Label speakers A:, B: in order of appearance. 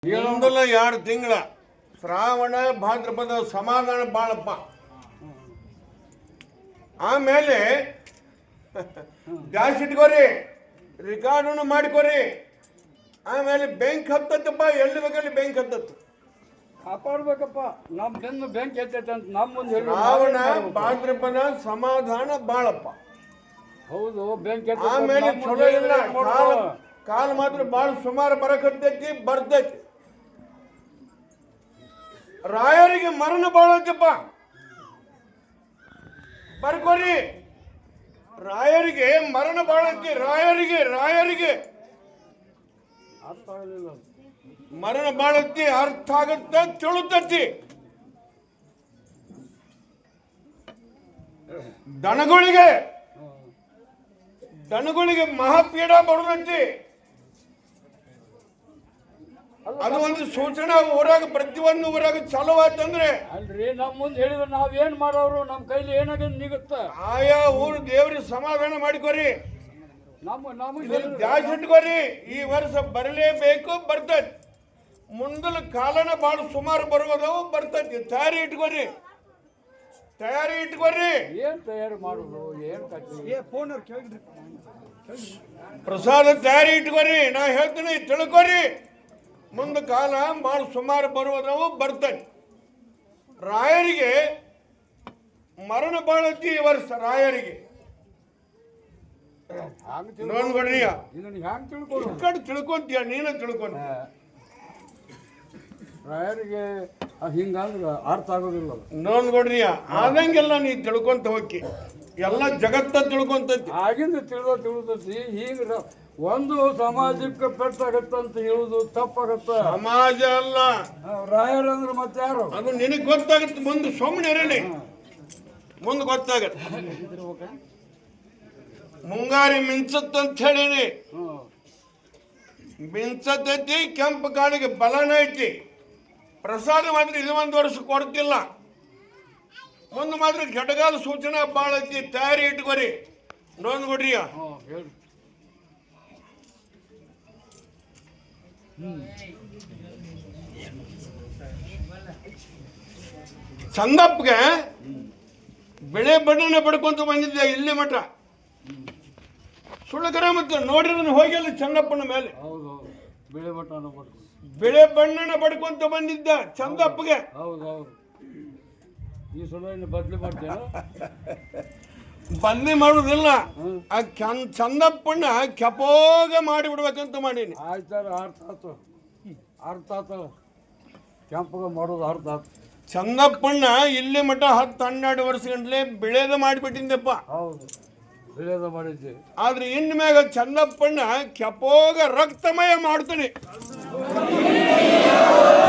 A: ಇನ್ನೊಂದಲ್ಲ 2 ತಿಂಗಳ ಶ್ರಾವಣ ಭಾದ್ರಪದ ಸಮಾಧಾನ ಬಾಳಪ್ಪ. ಆಮೇಲೆ ಗ್ಯಾಸ್ ಇಟ್ಕೋರಿ, ರೆಕಾರ್ಡನ್ನು ಮಾಡ್ಕೋರಿ. ಆಮೇಲೆ ಬೆಂಕಿ ಹತ್ತತ್ತಪ್ಪ, ಎಲ್ಲಿ ಬೇಕಲ್ಲಿ ಬೆಂಕಿ ಹತ್ತತ್ತು.
B: ಕಾಪಾಡ್ಬೇಕಪ್ಪ, ನಮ್ಮ ಬೆನ್ನು ಬೆಂಕಿ ಹತ್ತೈತೆ ಅಂತ ನಮ್ಮ ಮುಂದೆ ಹೇಳಿ.
A: ಶ್ರಾವಣ ಭಾದ್ರಪದ ಸಮಾಧಾನ ಬಾಳಪ್ಪ.
B: ಹೌದು, ಬೆಂಕಿ
A: ಆಮೇಲೆ ಚಲೋ ಇಲ್ಲ, ಕಾಲ ಮಾತ್ರ ಬಾಳ ಸುಮಾರು ಬರಕತ್ತೈತಿ, ಬರ್ತೈತಿ. ರಾಯರಿಗೆ ಮರಣ ಬಾಳತ್ತಪ್ಪ, ಬರ್ಕೋರಿ. ರಾಯರಿಗೆ ಮರಣ ಬಾಳತ್ತಿ, ರಾಯರಿಗೆ
B: ಅರ್ಥ ಆಗಲಿಲ್ಲ.
A: ಮರಣ ಬಾಳತ್ತಿ, ಅರ್ಥ ಆಗತ್ತ, ತಿಳುತ್ತತಿ. ದನಗಳಿಗೆ ಮಹಾಪೀಡ ಬರುದಂತಿ. ಅದು ಒಂದು ಸೂಚನಾ ಊರಾಗ, ಪ್ರತಿಯೊಂದು ಊರಾಗ ಚಾಲು ಆಯ್ತಂದ್ರೆ
B: ಅಲ್ರಿ, ನಮ್ಮ ಮುಂದೆ ಹೇಳಿದ್ರೆ ನಾವೇನ್ ಮಾಡೋರು, ನಮ್ಮ ಕೈಲಿ ಏನಾಗದ್ ನಿಗುತ್ತ.
A: ಆಯಾ ಊರು ದೇವ್ರಿಗೆ ಸಮಾಧಾನ ಮಾಡಿಕೋರಿ,
B: ನಮಗೆ
A: ದ್ಯಾಸ್ ಇಟ್ಕೋರಿ. ಈ ವರ್ಷ ಬರಲೇಬೇಕು, ಬರ್ತೈತಿ. ಮುಂದಲ ಕಾಲನ ಬಾಳ ಸುಮಾರು ಬರುವುದವು, ಬರ್ತೈತಿ. ತಯಾರಿ ಇಟ್ಕೋರಿ.
B: ಏನ್ ತಯಾರಿ ಮಾಡುದು, ಏನ್
A: ಪ್ರಸಾದ ತಯಾರಿ ಇಟ್ಕೋರಿ. ನಾ ಹೇಳ್ತೀನಿ, ತಿಳ್ಕೊರಿ. ಮುಂದ ಕಾಲ ಬಾಳ ಸುಮಾರು ಬರುವುದವು, ಬರ್ತೈತಿ. ರಾಯರಿಗೆ ಮರಣ ಬಾಳತಿ ಈ ವರ್ಷ. ರಾಯರಿಗೆ ನೋಡ್ಕೊಡ್ರಿ,
B: ಹ್ಯಾಂಗ ತಿಳ್ಕೊಡು.
A: ತಿಳ್ಕೊಂತೀಯ, ನೀನ ತಿಳ್ಕೊಂತ.
B: ರಾಯರಿಗೆ ಹಿಂಗಂದ್ರ ಅರ್ಥ ಆಗೋದಿಲ್ಲ.
A: ನೋಡ್ಕೊಡ್ರಿ, ಆದಂಗೆಲ್ಲ ನೀ ತಿಳ್ಕೊಂತ ಹೋಗಿ, ಎಲ್ಲ ಜಗತ್ತ ತಿಳ್ಕೊಂತೈತಿ.
B: ಆಗಿಂದ ತಿಳಿದೈತಿ. ಈಗ ಒಂದು ಸಮಾಜಕ್ಕೆ ಪೆಟ್ಟಾಗತ್ತಂತ ಹೇಳುದು ತಪ್ಪಾಗತ್ತ.
A: ಸಮಾಜ ಅಲ್ಲ,
B: ರಾಯರಂದ್ರೆ ಮತ್ತೆ ಯಾರು?
A: ಅದು ನಿನಗ್ ಗೊತ್ತಾಗತ್ತೆ. ಮುಂದೆ ಸುಮ್ಮನೆ ಇರಲಿ, ಮುಂದೆ ಗೊತ್ತಾಗತ್ತೆ. ಮುಂಗಾರಿ ಮಿಂಚತ್ತಂತ ಹೇಳಿನಿ, ಮಿಂಚತೈತಿ. ಕೆಂಪು ಕಾಳಿಗೆ ಬಲನ ಐತಿ. ಪ್ರಸಾದ ಮಾತ್ರ ಇದು 1 ವರ್ಷ ಕೊಡ್ತಿಲ್ಲ. ಮುಂದೆ ಮಾತ್ರ ಘಟಗಾಲ ಸೂಚನಾ ಬಾಳ ಐತಿ. ತಯಾರಿ ಇಟ್ಕೋರಿ. ನೋಡ್ಕೊಡ್ರಿ. ಚಂದಪ್ಪಗೆ ಬೆಳೆ ಬಣ್ಣನ ಪಡ್ಕೊಂತ ಬಂದಿದ್ದೆ ಇಲ್ಲಿ ಮಠ. ಸುಳ್ಳಕರ ಮತ್ತೆ ನೋಡಿದ್ರೆ ಹೋಗಿಲ್ಲ ಚಂದಪ್ಪನ ಮೇಲೆ. ಬೆಳೆ ಬಣ್ಣನ ಪಡ್ಕೊಂತ ಬಂದಿದ್ದ ಚಂದಪ್ಪಗೆ.
B: ಈ ಸಲ ಬದ್ಲಿ ಮಾಡ್ತೇನೆ,
A: ಬದ್ಲಿ ಮಾಡುದಿಲ್ಲ. ಆ ಚಂದಪ್ಪಣ್ಣ ಕೆಪೋಗ ಮಾಡಿಬಿಡ್ಬೇಕಂತ ಮಾಡೀನಿ.
B: ಆಯ್ತಾರ, ಅರ್ಥ ಆತ. ಕೆಂಪಗ ಮಾಡೋದು ಅರ್ಥ ಆತ.
A: ಚಂದಪ್ಪಣ್ಣ ಇಲ್ಲಿ ಮಠ 10-12 ವರ್ಷ ಗಂಟ್ಲೆ ಬೆಳೆದ ಮಾಡಿಬಿಟ್ಟಿದ್ದಪ್ಪ.
B: ಹೌದು, ಬೆಳೆದ ಮಾಡಿದ್ದೆ.
A: ಆದ್ರೆ ಇನ್ ಮ್ಯಾಗ ಚಂದಪ್ಪಣ್ಣ ಕೆಪೋಗ ರಕ್ತಮಯ ಮಾಡ್ತಾನೆ.